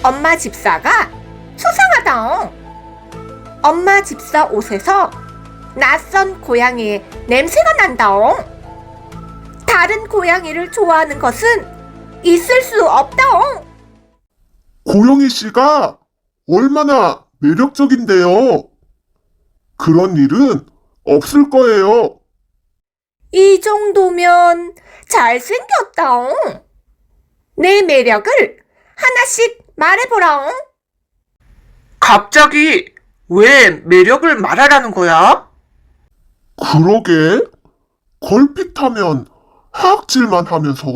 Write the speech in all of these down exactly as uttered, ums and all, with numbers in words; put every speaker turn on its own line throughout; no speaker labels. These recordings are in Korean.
엄마 집사가 수상하다옹. 엄마 집사 옷에서 낯선 고양이의 냄새가 난다옹. 다른 고양이를 좋아하는 것은 있을 수 없다옹.
고영희 씨가 얼마나 매력적인데요. 그런 일은 없을 거예요.
이 정도면 잘생겼다옹. 내 매력을 하나씩 말해보라옹.
갑자기 왜 매력을 말하라는 거야?
그러게. 걸핏하면 하악질만 하면서.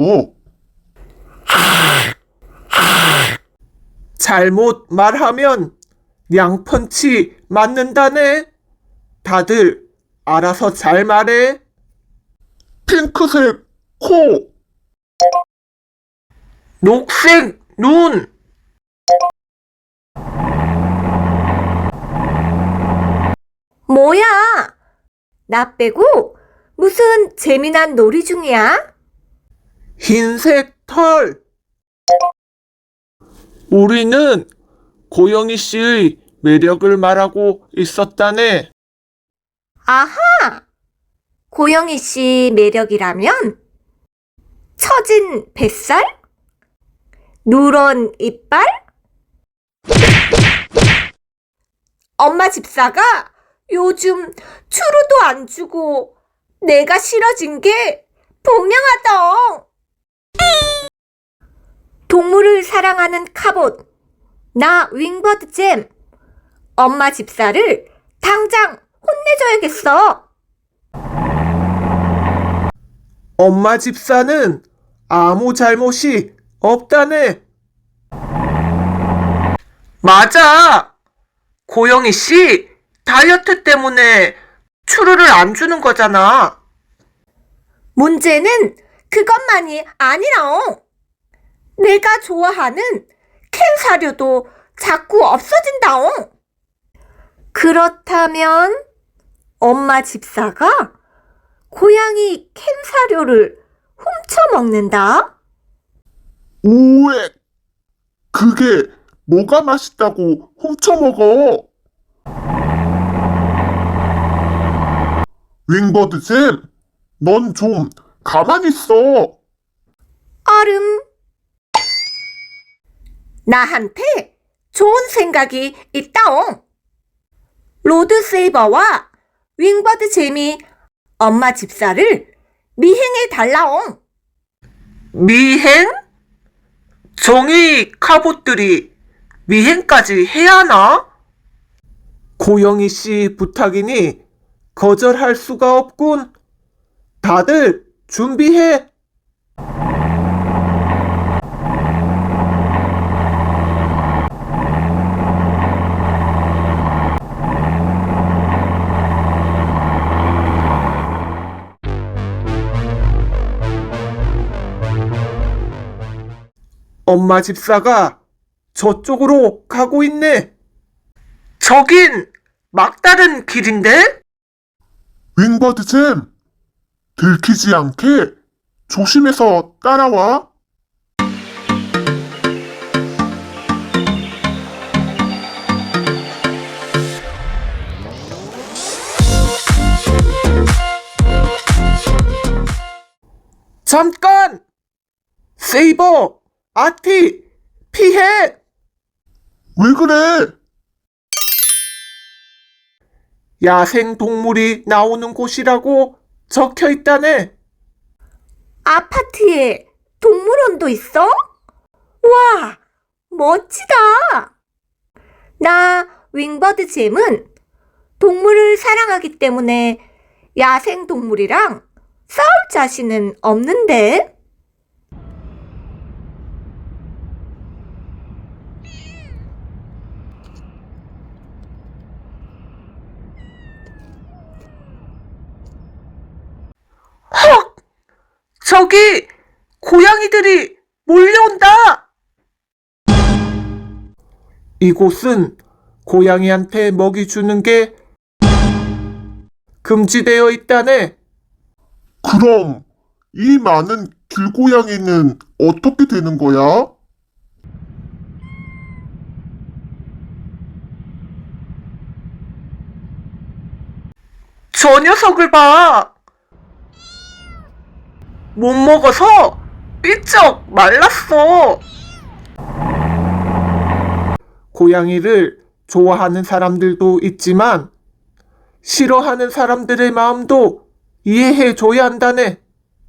잘못 말하면 양펀치 맞는다네. 다들 알아서 잘 말해.
핑크색 코,
녹색 눈,
뭐야? 나 빼고 무슨 재미난 놀이 중이야?
흰색 털. 우리는 고영희 씨의 매력을 말하고 있었다네.
아하! 고영희 씨 매력이라면 처진 뱃살? 누런 이빨? 엄마 집사가 요즘 추루도 안 주고 내가 싫어진 게 분명하다. 동물을 사랑하는 카봇, 나 윙버드 잼. 엄마 집사를 당장 혼내줘야겠어.
엄마 집사는 아무 잘못이 없다네. 맞아. 고영희 씨 다이어트 때문에 추루를 안 주는 거잖아.
문제는 그것만이 아니라옹. 내가 좋아하는 캔 사료도 자꾸 없어진다옹. 그렇다면 엄마 집사가 고양이 캔 사료를 훔쳐 먹는다?
오액. 그게 뭐가 맛있다고 훔쳐먹어. 윙버드 잼, 넌 좀 가만히 있어.
얼음. 나한테 좋은 생각이 있다옹. 로드세이버와 윙버드 잼이 엄마 집사를 미행해 달라옹.
미행? 종이 카봇들이 미행까지 해야 하나? 고영희 씨 부탁이니 거절할 수가 없군. 다들 준비해. 엄마 집사가 저쪽으로 가고 있네. 저긴 막다른 길인데?
윙버드 잼, 들키지 않게 조심해서 따라와.
잠깐! 세이버, 아티, 피해!
왜 그래?
야생 동물이 나오는 곳이라고 적혀 있다네.
아파트에 동물원도 있어? 와, 멋지다. 나 윙버드 잼은 동물을 사랑하기 때문에 야생 동물이랑 싸울 자신은 없는데.
헉! 저기 고양이들이 몰려온다. 이곳은 고양이한테 먹이 주는 게 금지되어 있다네.
그럼 이 많은 길고양이는 어떻게 되는 거야?
저 녀석을 봐. 못 먹어서 삐쩍 말랐어.
고양이를 좋아하는 사람들도 있지만 싫어하는 사람들의 마음도 이해해 줘야 한다네.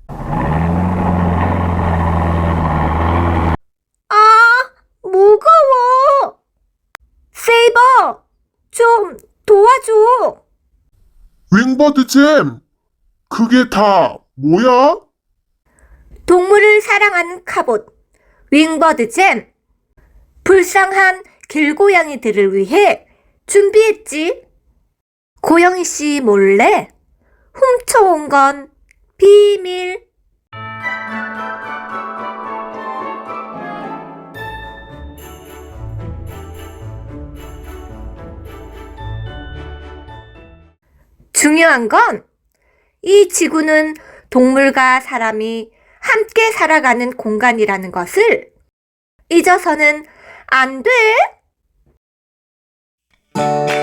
아, 무거워. 세이버, 좀 도와줘.
윙버드 잼, 그게 다 뭐야?
동물을 사랑하는 카봇, 윙버드 잼. 불쌍한 길고양이들을 위해 준비했지. 고영희 씨 몰래 훔쳐온 건 비밀. 중요한 건 이 지구는 동물과 사람이 함께 살아가는 공간이라는 것을 잊어서는 안 돼.